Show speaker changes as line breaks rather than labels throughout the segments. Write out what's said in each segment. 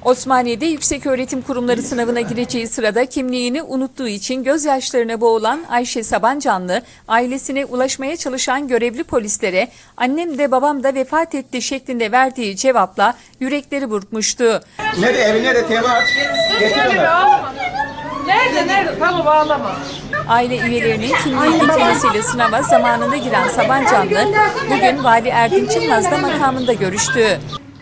Osmaniye'de yükseköğretim kurumları sınavına gireceği sırada kimliğini unuttuğu için gözyaşlarına boğulan Ayşe Sabancanlı, ailesine ulaşmaya çalışan görevli polislere "annem de babam da vefat etti" şeklinde verdiği cevapla yürekleri burkmuştu.
Nerede evine de temas getiriyorlar.
Nerede? Tamam ağlama.
Aile üyelerinin kimliği getirmesiyle sınava zamanında giren Sabancanlı, bugün Vali Erdinç Yılmaz'la makamında görüştü.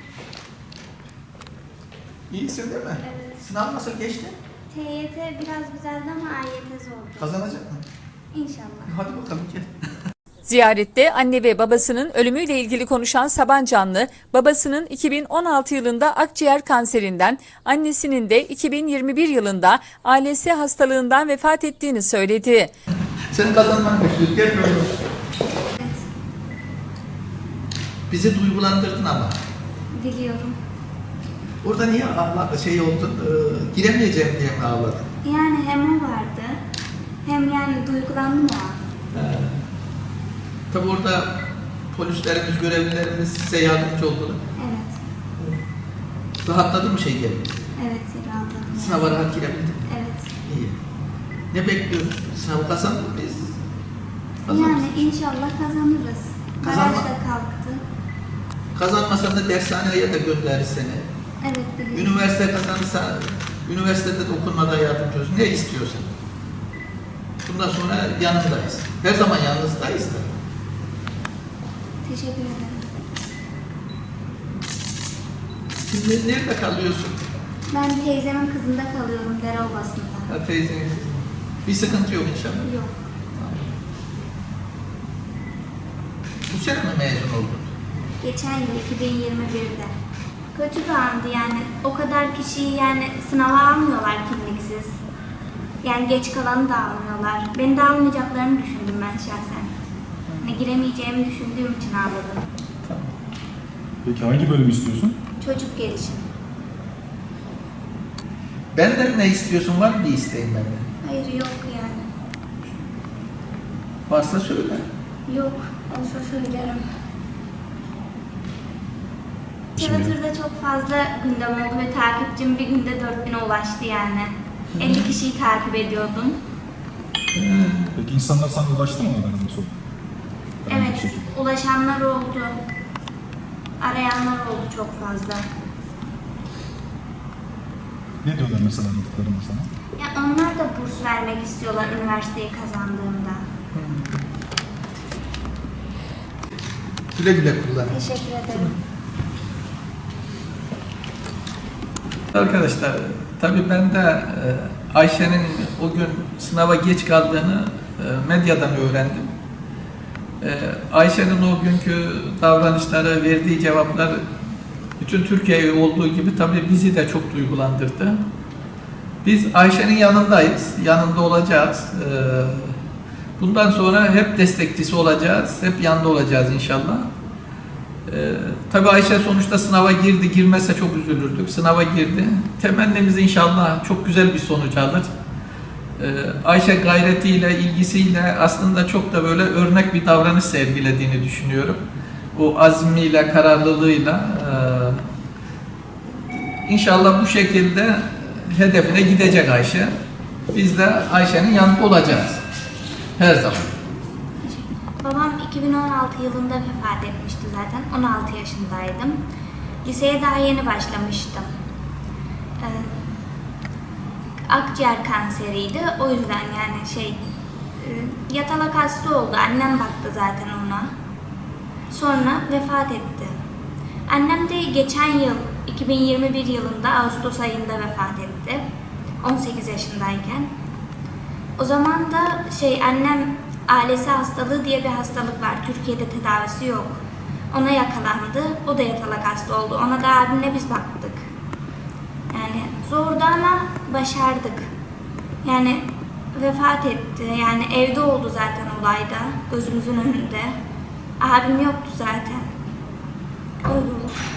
İyisin değil mi?
Evet.
Sınav nasıl geçti?
TYT biraz güzeldi ama AYT zordu.
Kazanacak mı?
İnşallah.
Hadi bakalım gel.
Ziyarette anne ve babasının ölümüyle ilgili konuşan Sabancanlı, babasının 2016 yılında akciğer kanserinden, annesinin de 2021 yılında ALS hastalığından vefat ettiğini söyledi.
Senin kazanmanı bekliyoruz. Gel böyle. Bizi duygulandırdın ama.
Diliyorum.
Orada niye şey oldun? Giremeyeceğim diye mi ağladın?
Yani hem o vardı, hem yani duygulandım o an.
Tabi orada polislerimiz, görevlilerimiz size yardımcı oldular.
Evet.
Rahatladın mı şey geldi?
Evet, rahatladım.
Sınava rahat girebildin.
Evet.
İyi. Ne bekliyoruz? Sınavı kazandın mıyız?
Yani inşallah kazanırız. Baraj
Kazanma-
da kalktı.
Kazanmasan da dershaneye de gönderir seni.
Evet, biliyorum.
Üniversite kazanırsa, üniversitede de okunmada yardımcı oluruz. Ne istiyorsan. Bundan sonra yanındayız. Her zaman yanınızdayız da.
Teşekkür ederim.
Şimdi nerede kalıyorsun?
Ben teyzemin kızında kalıyorum, Dereobası'nda.
Ha, teyzenin kızı. Bir sıkıntı yok inşallah.
Yok.
Bu sene mi mezun oldun?
Geçen yıl 2021'de. Kötü bir andı yani. O kadar kişiyi yani sınava almıyorlar kimliksiz. Yani geç kalanı da almıyorlar. Beni de almayacaklarını düşündüm ben şahsen. Hani giremeyeceğimi düşündüğüm için ağladım.
Tamam.
Peki hangi bölümü istiyorsun?
Çocuk gelişim.
Benden ne istiyorsun? Var mı bir isteğin benden?
Hayır, yok yani.
Varsa söyle.
Yok. Olsa söylerim.
Şimdi-
Twitter'da çok fazla gündem oldu ve takipçim bir günde 4000'e ulaştı yani. 50 kişiyi takip ediyordum.
Peki insanlar sana ulaştı mı onların soru?
Evet, ulaşanlar oldu. Arayanlar oldu çok fazla.
Ne diyorlar mesela aradıklarında sana?
Ya onlar da burs vermek istiyorlar üniversiteyi kazandığımda.
Güle güle kullan.
Teşekkür ederim.
Arkadaşlar, tabii ben de Ayşe'nin o gün sınava geç kaldığını medyadan öğrendim. Ayşe'nin o günkü davranışları, verdiği cevaplar bütün Türkiye'yi olduğu gibi tabii bizi de çok duygulandırdı. Biz Ayşe'nin yanındayız, yanında olacağız. Bundan sonra hep destekçisi olacağız, hep yanında olacağız inşallah. Tabii Ayşe sonuçta sınava girdi, girmezse çok üzülürdük. Sınava girdi. Temennimiz inşallah çok güzel bir sonuç alır. Ayşe gayretiyle, ilgisiyle aslında çok da böyle örnek bir davranış sergilediğini düşünüyorum. O azmiyle, kararlılığıyla inşallah bu şekilde hedefine gidecek Ayşe. Biz de Ayşe'nin yanında olacağız. Her zaman.
Babam 2016 yılında vefat etmişti zaten. 16 yaşındaydım. Liseye daha yeni başlamıştım. Akciğer kanseriydi. O yüzden yani yatalak hasta oldu. Annem baktı zaten ona. Sonra vefat etti. Annem de geçen yıl 2021 yılında Ağustos ayında vefat etti. 18 yaşındayken. O zaman da annem ALS hastalığı diye bir hastalık var. Türkiye'de tedavisi yok. Ona yakalandı. O da yatalak hasta oldu. Ona da abimle biz baktık. Yani zordu ama başardık. Yani vefat etti. Yani evde oldu zaten olayda. Gözümüzün önünde. Abim yoktu zaten. Öyle oldu.